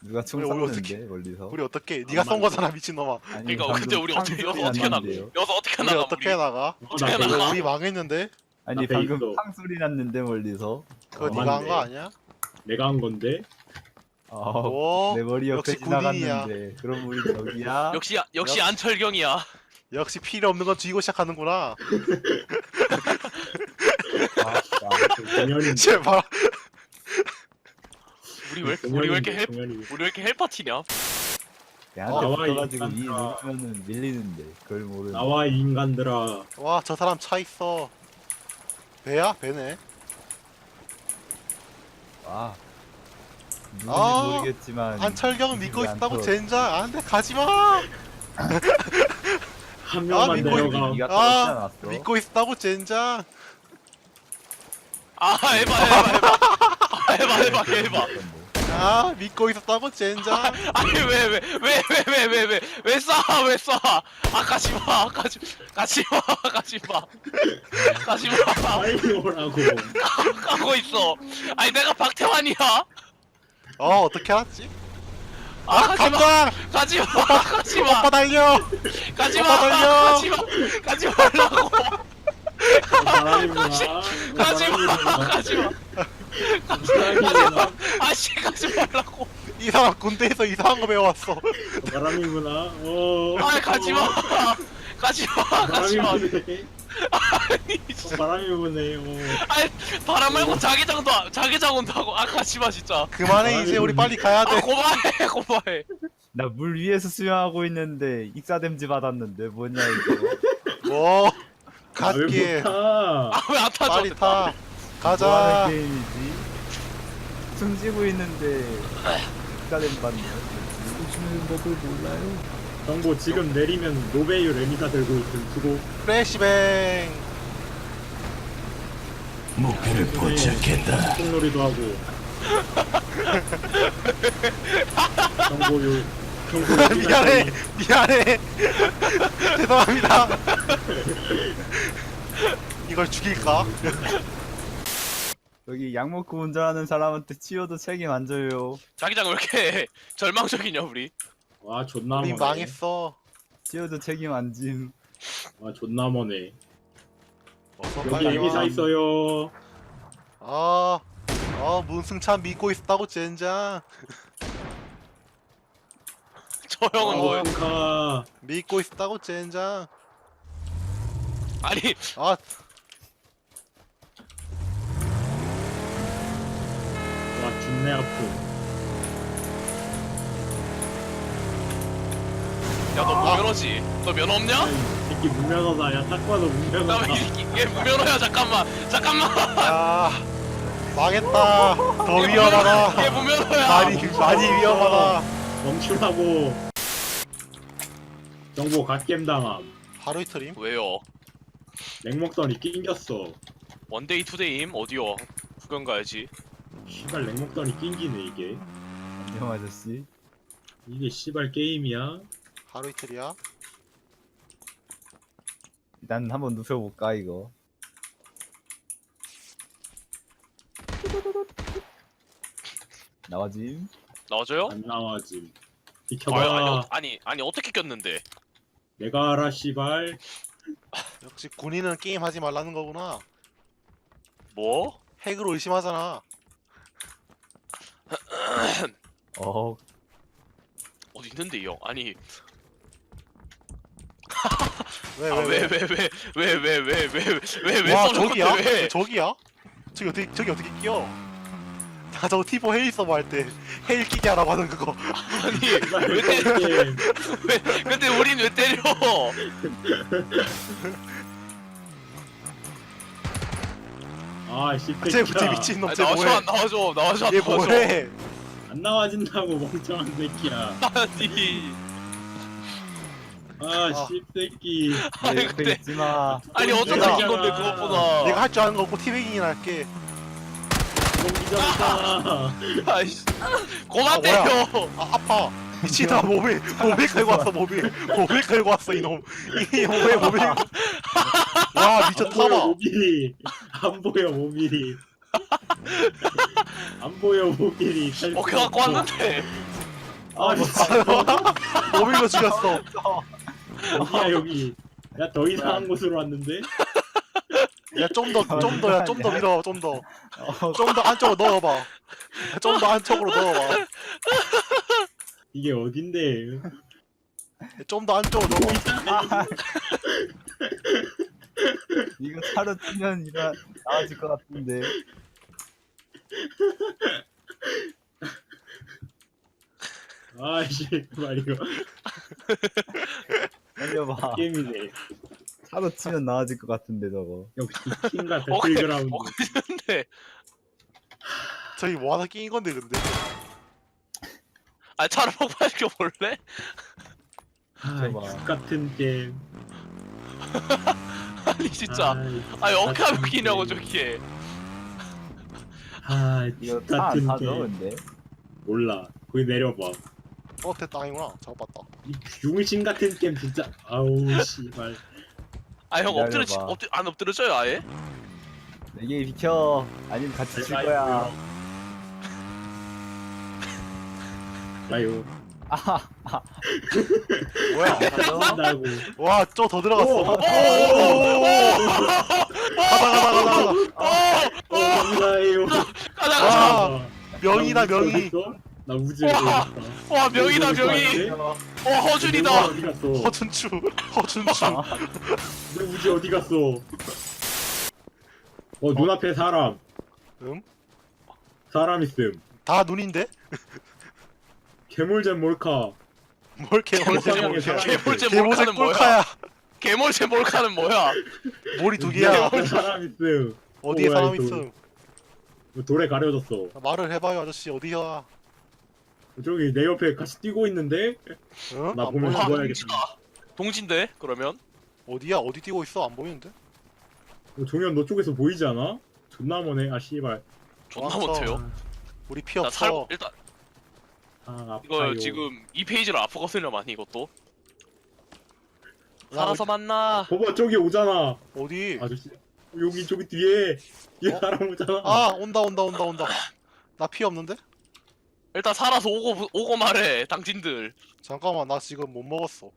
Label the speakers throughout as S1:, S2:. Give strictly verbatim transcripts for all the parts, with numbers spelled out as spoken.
S1: 누가 총
S2: 우리 우리
S1: 쐈는데 멀리서.
S2: 우리 어떻게? 네가 쏜 거잖아 미친놈아.
S1: 아니,
S3: 그러니까 근데 우리 어떻게 여기서 어떻게 나 여기서 어떻게
S2: 우리
S3: 나가
S2: 어떻게
S3: 우리?
S2: 나가?
S3: 어떻게
S4: 나
S3: 나가?
S2: 우리 망했는데?
S1: 아니
S4: 앞에
S1: 방금
S4: 있어.
S1: 팡 소리 났는데 멀리서.
S2: 그거
S4: 어,
S2: 네가 한
S4: 맞네.
S2: 거 아니야?
S4: 내가 한 건데.
S2: 오,
S1: 내 머리 옆에
S2: 역시 군인이야.
S1: 지나갔는데. 그럼 우리 저기야.
S3: 역시 역시
S2: 역시.
S3: 안철경이야.
S2: 역시 필요 없는 건 죽이고 시작하는구나.
S1: 아,
S4: 공연인데.
S2: 제발.
S3: 우리 왜 우리 왜 이렇게 헬
S4: 공연인데.
S3: 우리 왜 이렇게 헬파티냐?
S1: 내한테
S4: 나와,
S1: 붙어가지고
S4: 이
S1: 이
S4: 인간들아.
S1: 누르면은 밀리는데 그걸 모르는.
S4: 나와 이 인간들아.
S2: 와, 저 사람 차 있어. 배야? 배네.
S1: 와. 누군지
S2: 아,
S1: 모르겠지만.
S2: 안철경 믿고
S1: 믿지
S2: 있다고
S1: 않도록.
S2: 젠장. 안돼 가지마.
S4: 한
S2: 아,
S4: 명만
S2: 믿고
S4: 내려가.
S1: 네가 떨어지지
S2: 아,
S1: 않았어?
S2: 믿고 있다고 젠장.
S3: 아 해봐 해봐 해봐. 아, 해봐 해봐 해봐.
S2: 아, 믿고 있었다고 젠장.
S3: 아니 왜 왜 왜 왜 왜 왜 왜 왜 쏴? 왜 쏴? 아 가지마 가지 가지마 가지마 가지마
S4: 빨리 오라고.
S3: 가고 있어. 아니 내가 박태환이야.
S2: 어, 어떻게 알았지?
S3: 아 가지마
S2: 간다.
S3: 가지마 가지마
S2: 오빠 달려.
S3: 가지마
S2: 오빠 달려.
S3: 가지마 가지 말라고
S4: 바람이구나.
S3: 가지마 가지마
S4: 바람이구나.
S3: 아씨 가지 말라고.
S2: 이 사람 군대에서 이상한 거 배워왔어.
S4: 바람이구나. 어.
S3: 아 가지마 가지마 가지마.
S4: 바람이 부네.
S3: 아니
S4: 어, 바람이 부네. 어.
S3: 아니 바람 말고 자기장도 아- 자기장 온다고. 아 가지마 진짜.
S2: 그만해 이제 우리 빨리 가야
S3: 아
S2: 돼.
S3: 고마해 고마해.
S1: 나 물 위에서 수영하고 있는데 익사댐지 받았는데 뭐냐 이거.
S2: 뭐
S4: 아, 왜
S2: 갓길
S4: 못 타?
S3: 아 왜 안 타죠?
S2: 빨리 타.
S1: 뭐
S2: 가자.
S1: 하는 게임이지? 숨지고 있는데 익사댐 받네. 숨지는 법을 몰라요?
S4: 정보 지금 내리면 노베유 레미가 들고 있음. 수고.
S2: 프레시뱅.
S4: 목표를 포착했다. 콩놀이도 하고. 정보요. 정보
S2: 미안해. 미안해. 죄송합니다. 이걸 죽일까?
S1: 여기 약 먹고 운전하는 사람한테 치워도 책임 안 져요.
S3: 자기장 왜 이렇게 절망적이냐 우리?
S4: 와 존나
S2: 우리
S4: 머네.
S2: 망했어.
S1: 치워도 책임 안 짐.
S4: 와 존나 머네.
S2: 어서
S4: 여기
S2: 빨리
S4: 에미사
S2: 와.
S4: 있어요.
S2: 아, 아 문승찬 믿고 있었다고 젠장.
S3: 저 형은
S2: 어.
S3: 뭐야?
S4: 카.
S2: 믿고 있었다고 젠장.
S3: 아니
S2: 아,
S4: 와 준내 아프.
S3: 야 너 무면허지? 너 면허 없냐?
S4: 야, 이 새끼 무면허다. 야 딱 봐도 무면허다.
S3: 나이 새끼 얘 무면허야. 잠깐만 잠깐만.
S2: 야, 망했다. 더 위험하다.
S3: 얘 무면허야.
S2: 많이 많이 위험하다.
S4: 멈추라고. 정보 갓겜 당함.
S2: 하루 이틀임?
S3: 왜요?
S4: 랭목선이 낑겼어.
S3: 원데이 투데이임 어디요? 구경 가야지.
S4: 씨발 랭목선이 낑기네 이게.
S1: 안녕 아저씨.
S4: 이게 씨발 게임이야?
S2: 하루 이틀이야?
S1: 일단 한번 눕혀볼까 이거. 나와짐.
S3: 나와줘요?
S4: 안 나와 지금.
S3: 아니,
S4: 비켜봐.
S3: 아니 어- 아니 아니 어떻게 꼈는데?
S4: 내가 알아 씨발.
S2: 역시 군인은 게임 하지 말라는 거구나.
S3: 뭐?
S2: 핵으로 의심하잖아.
S1: 어.
S3: 어디 있는데 이 형? 아니
S2: 왜
S3: 아
S2: 왜
S3: 왜 왜 왜 왜 왜 왜 왜 왜왜
S2: 와
S3: 써놓은
S2: 저기야?
S3: 건데 왜?
S2: 저기야? 저기 어떻게 저기 어떻게 끼어? 나 저거 티보 헤일 서버 할 때 헤일 끼게 하라고 하는 그거.
S3: 아니 왜 때려?
S4: 게임.
S3: 왜 근데 우린 왜 때려?
S4: 아 씨발.
S2: 쟤쟤 미친 놈,
S3: 아니,
S2: 쟤
S3: 나와줘
S2: 뭐해?
S3: 안 나와줘 나와줘 안
S2: 얘
S3: 나와줘.
S2: 뭐해?
S4: 안 나와진다고 멍청한 새끼야.
S3: 아니
S4: 아 씨새끼.
S1: 내
S3: 아니,
S1: 옆에
S3: 근데-
S1: 있지마.
S3: 아니 어쩌다
S2: 내가-
S3: 낀 건데 그것보다.
S2: 내가 할 줄 아는 거 없고 티베깅이나 할게.
S4: 공기전이다.
S3: 아이씨 고만
S2: 아, 뭐야?
S3: 때려.
S2: 아 아파. 미친아 모빌 모빌 끌고 왔어 모빌 모빌 끌고 왔어 이놈. 이놈 왜 모빌? 와
S4: 안
S2: 미쳤
S4: 보여
S2: 타봐.
S4: 모빌이. 안 보여 모빌이. 안 보여 모빌이.
S3: 어 그거 갖고 왔는데.
S4: 아 진짜
S2: 모빌로 죽였어.
S4: 어디야 여기. 야 더 이상한 곳으로 왔는데.
S2: 야 좀 더 좀 더 야 좀 더 밀어 좀 더.
S1: 어,
S2: 좀 더 안쪽으로 넣어봐. 좀 더 안쪽으로 넣어봐.
S4: 이게 어딘데?
S2: 좀 더 안쪽으로 넣어봐.
S1: 아, 이거 차로 치면 이거 나아질 것 같은데.
S4: 아이씨 말 이거
S1: 살려봐.
S4: 게임이네.
S1: 차로 치면 나아질 것 같은데 저거.
S4: 역시 킹과
S3: 오케이.
S4: 배틀그라운드.
S3: 어 근데
S2: 저기 뭐 하나 끼인 건데 근데.
S3: 아 차를 폭발시켜 볼래?
S4: 아,
S1: 봐.
S4: X 같은 게임.
S3: 아니 진짜.
S4: 아이,
S3: 아니 어떻게 하면
S4: 같은
S3: 끼냐고
S4: 게임.
S3: 저기에.
S4: 아,
S1: 이거
S4: X
S1: 차 안
S4: 같은
S1: 타죠
S4: 게임.
S1: 근데.
S4: 몰라. 거기 내려봐.
S2: 어 됐다 아니구나. 작업봤다.
S4: 이 중심 같은 게임 진짜. 아우 씨발.
S3: 아 형 엎드려 치-
S1: 기다려봐.
S3: 엎드 안 엎드려져요 아예?
S1: 내게 비켜. 아니면 같이 칠
S4: 아이고.
S1: 거야.
S4: 아유.
S1: 아하.
S2: 뭐야?
S4: 한다고.
S2: 와, 저 더 들어갔어.
S4: 오!
S2: 오! 가다 가다 가다 가다.
S4: 어, 감사해요.
S3: 가자
S2: 와.
S3: 가자.
S4: 아,
S2: 명이다
S4: 나 우주
S2: 명이.
S4: 어딨어? 나 우주에
S3: 와.
S4: 어딨어?
S3: 와 명이다
S4: 우주
S3: 명이.
S4: 어디
S3: 어
S4: 갔어?
S3: 허준이다.
S4: 내 우주 어디 갔어?
S2: 허준추. 허준추.
S4: 내 우주 어디 갔어? 어 눈앞에 사람.
S2: 응?
S4: 사람 있음.
S2: 다 눈인데?
S4: 괴물잼 몰카.
S2: 뭘 개몰제
S4: 개몰제
S2: 몰카.
S4: 몰카.
S3: 개몰제
S2: 개몰제
S3: 몰카는 뭐야?
S2: 꼴카야.
S3: 개몰제 몰카는 뭐야?
S2: 몰이 두 개야.
S4: 눈앞에 사람 있음.
S2: 어디에
S4: 어,
S2: 사람
S4: 뭐야,
S2: 있음?
S4: 돌에 가려졌어.
S2: 말을 해봐요 아저씨 어디야?
S4: 저기 내 옆에 같이 뛰고 있는데?
S2: 응?
S4: 나
S2: 안
S4: 보면
S2: 보여?
S3: 아
S4: 죽어야겠다.
S3: 동지다. 동지인데 그러면?
S2: 어디야? 어디 뛰고 있어? 안 보이는데?
S4: 어, 종현 너 쪽에서 보이지 않아? 존나 머네. 아 씨발.
S3: 존나
S2: 도망쳐.
S3: 못해요.
S2: 우리 피
S3: 나 살
S2: 없어.
S3: 일단
S4: 아 아파요.
S3: 이거 지금 이 페이지를 아프거든요 많이 이것도.
S2: 야,
S3: 살아서 만나.
S4: 봐봐 저기 오잖아.
S2: 어디?
S4: 아저씨. 여기 저기 뒤에 뒤에
S2: 어?
S4: 사람 오잖아.
S2: 아 온다 온다 온다 온다. 나 피 없는데?
S3: 일단 살아서 오고 오고 말해 당신들.
S2: 잠깐만 나 지금 못 먹었어.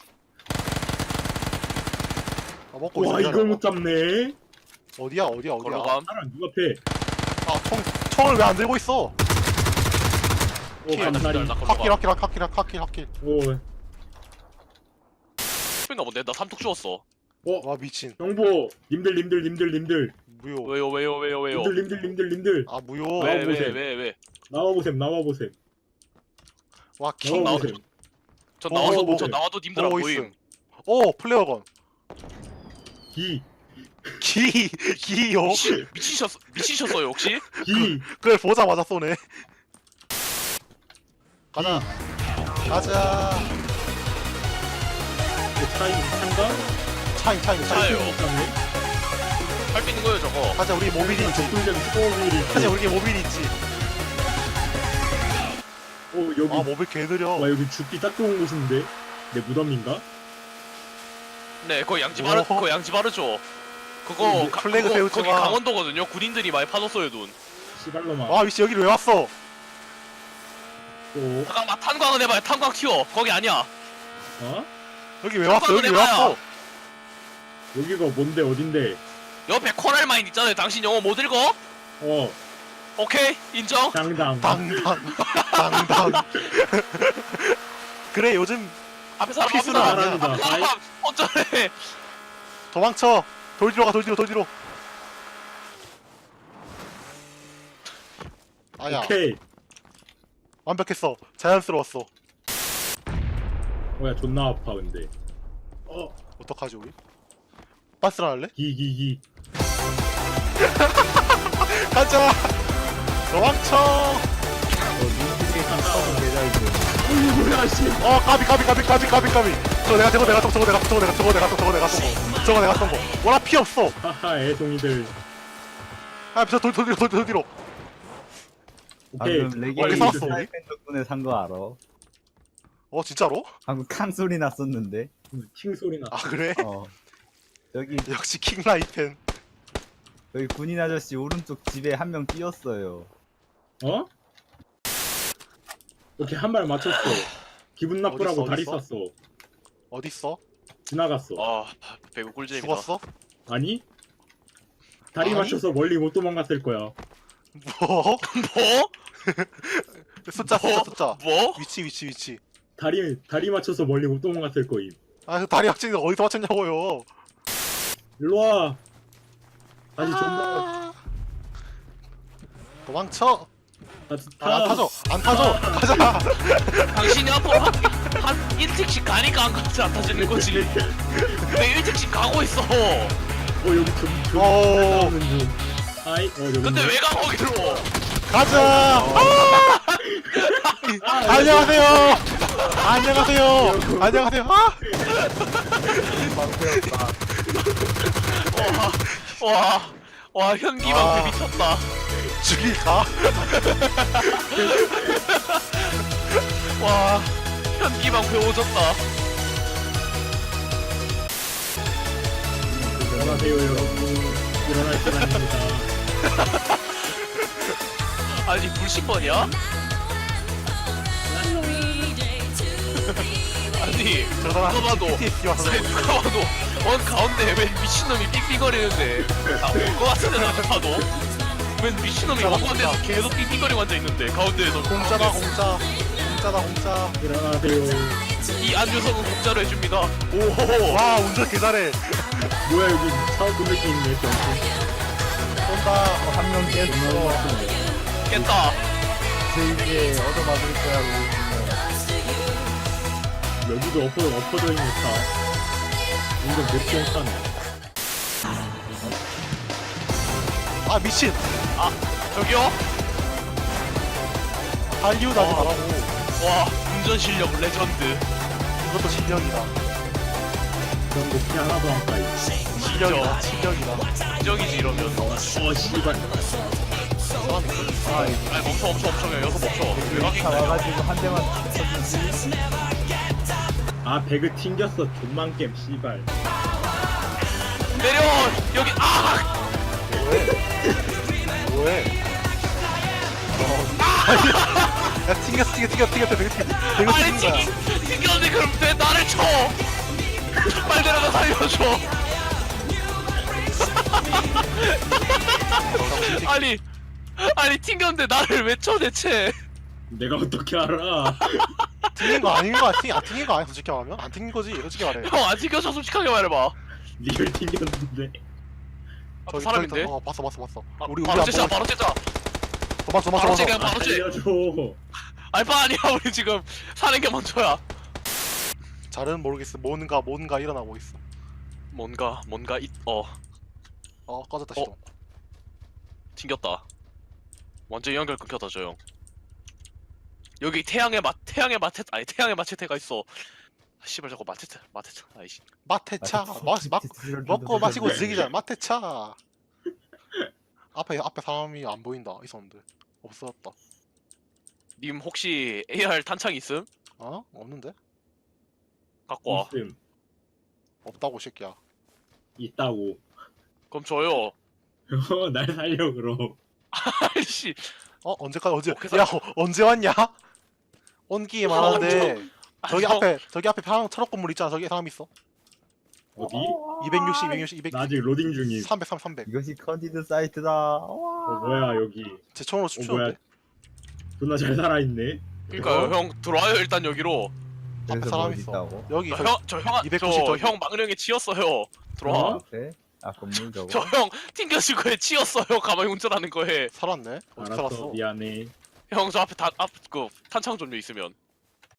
S2: 아 먹고 있어.
S4: 와
S2: 기다려봐.
S4: 이걸 못 잡네.
S2: 어디야 어디야 어디야?
S3: 걸로 감.
S4: 사람 누가 패?
S2: 아총 총을 왜 안 들고 있어?
S4: 오 감사리.
S3: 나 걸로
S2: 핫킬
S3: 감.
S2: 핫킬 핫킬 핫킬 핫킬.
S4: 오.
S3: 스인가 본데 나 삼뚝 주웠어.
S4: 어
S2: 와 미친.
S4: 정보. 님들 님들 님들 님들.
S2: 무효.
S3: 왜요 왜요 왜요 왜요?
S4: 님들 님들 님들 님들.
S2: 아 무효.
S4: 왜?
S3: 왜 왜
S4: 보세요.
S3: 왜 왜?
S4: 나와 보셈 나와 보셈.
S2: 와 킹.
S4: 나와
S3: 나오-
S4: 보셈.
S3: 저
S2: 어,
S3: 나와도
S2: 뭐,
S3: 저
S4: 뭐.
S3: 나와도 님들 안
S2: 보고
S3: 보임.
S2: 있음. 오 플레어건.
S4: 기.
S2: 기 기요.
S3: 미치, 미치셨 미치셨어요 혹시?
S4: 기.
S2: 그걸 보자마자 쏘네. 가자. 가자.
S4: 그 차이 찬가?
S2: 차인 차인 차인.
S3: 차예요.
S4: 네
S3: 할 수 있는 거예요 저거.
S2: 가자 우리 모빌이 있지.
S4: 적군적 스포일이.
S2: 가자 우리 모빌이 있지.
S4: 오 여기.
S2: 아 모빌 개 느려.
S4: 와 여기 죽기 딱 좋은 곳인데. 내 무덤인가?
S3: 네, 그거 양지 바르,
S2: 어허.
S3: 그거 양지 바르죠. 그거
S4: 뭐,
S3: 가,
S2: 플래그
S3: 그거,
S2: 세우지
S3: 거기
S2: 마.
S3: 강원도거든요. 군인들이 많이 파줬어요 눈.
S4: 시발로마.
S2: 와 미씨 여기를 왜 왔어?
S4: 또
S3: 잠깐만 탄광은 해봐요. 탄광 튀어. 거기 아니야.
S4: 어?
S2: 여기 왜 왔어? 여기 왜
S3: 해봐요.
S2: 왔어?
S4: 여기가 뭔데 어딘데?
S3: 옆에 코랄 마인 있잖아요. 당신 영어 못 읽어?
S4: 어
S3: 오케이 인정.
S4: 장담.
S2: 당당 당당. 그래 요즘
S3: 앞에 사람 앞에
S2: 필수는
S3: 사람
S2: 아니야.
S4: 사람이다.
S3: 앞에 사람 어쩌래.
S2: 도망쳐. 돌 뒤로 가 돌 뒤로 돌 뒤로. 아야
S4: 오케이.
S2: 완벽했어. 자연스러웠어.
S4: 뭐야 존나 아파 근데. 어
S2: 어떡하지 우리? 빠스라 할래?
S4: 기기기.
S2: 가자. 도망쳐.
S1: 어, 눈빛이 깜짝은 계좌이지.
S4: 어이 뭐야 씨.
S2: 어 까비 까비 까비 까비 까비 까비. 저거 내가 저거 내가 쏜 저거 내가 저거 내가 저거 내가 쏜 저거 내가 쏜 거. 저거 내가 쏜 거. 와나 피 없어.
S4: 하하 애송이들.
S2: 아저돌 돌 뒤로 돌 뒤로 돌 뒤로.
S4: 오케이.
S1: 방금
S2: 어디
S1: 레게이
S2: 샀어,
S1: 스나이펜 덕분에 산 거 알아?
S2: 어 진짜로?
S1: 방금 칸 소리 났었는데.
S4: 팅 소리 나.
S2: 아 그래?
S1: 어. 여기
S2: 역시 킹라이펜.
S1: 여기 군인 아저씨 오른쪽 집에 한 명 뛰었어요.
S4: 어? 오케이 한 발 맞췄어. 기분 나쁘라고
S2: 어딨어,
S4: 다리
S2: 어딨어?
S4: 쐈어.
S2: 어딨어?
S4: 지나갔어.
S3: 아 배구 꿀잼이다.
S2: 죽었어?
S4: 아니? 다리
S2: 아니?
S4: 맞춰서 멀리 못 도망갔을 거야.
S2: 뭐?
S3: 뭐?
S2: 숫자
S3: 뭐?
S2: 숫자 숫자
S3: 뭐?
S2: 위치 위치 위치
S4: 다리 다리 맞춰서 멀리 못 도망갔을 거임.
S2: 아그 다리 확진이 어디서 맞췄냐고요
S4: 일로 와. 다시
S2: 아.
S4: 존나.
S2: 도망쳐
S4: 다시
S2: 아, 안
S4: 타.
S2: 타죠 안 타죠 가자
S3: 당신이 앞으로 한, 한 일찍씩 가니까 안 가지 안 타지는 거지. 왜 일찍씩 가고 있어?
S4: 어 여기 좀 좀.
S2: 오.
S4: 나오는 중. 아이 어 여기.
S3: 근데 왜 가 거기로?
S2: 가자 아! 안녕하세요 안녕하세요 안녕하세요 아!
S3: 와, 와 현기 방패
S2: 아.
S3: 미쳤다.
S2: 죽일까?
S3: 와, 현기 방패 오졌다.
S4: 일어나세요 여러분. 일어날 시간입니다.
S3: 아니 불신번이야? 아니
S2: 저 사람
S3: 누가 봐도
S2: 피티에스디 와서
S3: 아니, 누가 봐도 원 가운데 왜 미친놈이 삑삑거리는데 나올것 같은데 나도 봐도 왜 미친놈이 원 가운데서 계속 삑삑거리고 앉아있는데 가운데에서
S2: 공짜다 공짜 공짜다 공짜
S4: 일어나세요.
S3: 이 안주석은 공짜로 해줍니다. 오호호.
S2: 와 운전 개잘해
S4: 뭐야 여기 차고 느낌 있네.
S2: 쏜다
S1: 한명 깼어.
S3: 깼다.
S1: 제 이제 얻어맞을 거야. 우리.
S4: 여기도 엎어 엎어져 있는 차. 이거 몇병 차네.
S2: 아 미친
S3: 저기요?
S2: 할리우드 하지
S3: 어.
S2: 말라고
S3: 와 운전 실력 레전드.
S2: 이것도 실력이다
S4: 그런 거 그냥 하나도 안 까이.
S2: 실력이다 실력이다
S3: 인정이지 이러면.
S4: 어 씨발.
S1: 아,
S3: 아니 멈춰 멈춰 멈춰 그냥 여기서 멈춰. 왜
S1: 차
S3: 가긴
S1: 와가지고 한 대만 쳤는지.
S4: 아 배그 튕겼어. 존만 겜 씨발.
S3: 내려 여기 아
S2: 뭐해 야 튕겼어 튕겼어 튕겼어 튕겼어 되게 되게
S3: 아니
S2: 튕긴 거야
S3: 튕기 튕겼는데 그럼 왜 나를 쳐? 빨리 내려가 살려줘. 아니 아니 튕겼는데 나를 왜 쳐 대체?
S4: 내가 어떻게 알아?
S2: 튕긴 거 아닌 거 같아 안 튕긴 거 아니야 솔직히 말하면 안 튕긴 거지 솔직히 말해
S3: 형 안 튕겨서 솔직하게 말해봐.
S4: 리얼 튕겼는데.
S3: 아,
S2: 저기,
S3: 사람인데?
S2: 저기, 어 봤어 봤어 봤어
S3: 아,
S2: 우리 우리
S3: 바로
S2: 안
S3: 째자
S2: 보고
S3: 바로 째자.
S2: 도망쳐
S3: 바로
S2: 도망쳐
S3: 째자
S2: 도망쳐
S3: 바로 째.
S4: 알려줘.
S3: 알바 아니야 우리 지금 사는 게 먼저야.
S2: 잘은 모르겠어 뭔가 뭔가 일어나고 있어
S3: 뭔가 뭔가 있어
S2: 어 꺼졌다
S3: 어?
S2: 시동
S3: 튕겼다. 완전 연결 끊겼다 저 형. 여기 태양의 마 태양의 마체 아니 태양의 마체테가 있어. 아, 씨발 저거 마체테 마체테 아이씨.
S2: 마테차 마, 마, 먹고 마시고 즐기자 마테차 앞에 앞에 사람이 안 보인다 있었는데 없어졌다
S3: 님 혹시 에이알 탄창 있음?
S2: 어? 없는데?
S3: 갖고 와.
S4: 있음.
S2: 없다고 이 새끼야
S4: 있다고.
S3: 그럼 줘요.
S4: 날 살려 그럼.
S3: 아이씨.
S2: 어? 언제까지 언제
S3: 오케이,
S2: 야 어, 언제 왔냐? 온 기에 많았는데 저기
S3: 형,
S2: 앞에 저기 앞에 방 철업 건물 있잖아 저기 사람 있어
S4: 어디?
S2: 이백육십 이백육십 이백
S4: 나 아직 로딩 중임.
S2: 삼백 삼백 삼백
S1: 이것이 컨디드 사이트다.
S4: 어 뭐야 여기.
S2: 제 총으로
S4: 어 뭐야.
S2: 춤추는데
S4: 존나 잘 살아있네.
S3: 그러니까요 형 들어와요 일단 여기로.
S2: 앞에
S1: 그래서
S2: 사람
S1: 뭐
S2: 있어
S1: 있다고?
S2: 여기 저,
S3: 저형저형
S2: 이백구십 저기.
S3: 형 망령에 치였어요. 들어와.
S4: 어?
S1: 네? 아 건물 저거.
S3: 저 형 튕겨진 거에 치였어요. 가만히 운전하는 거에.
S2: 살았네 어디
S4: 알았어
S2: 살았어
S4: 미안해.
S3: 형 저 앞에 다 앞 그 탄창 종류 있으면.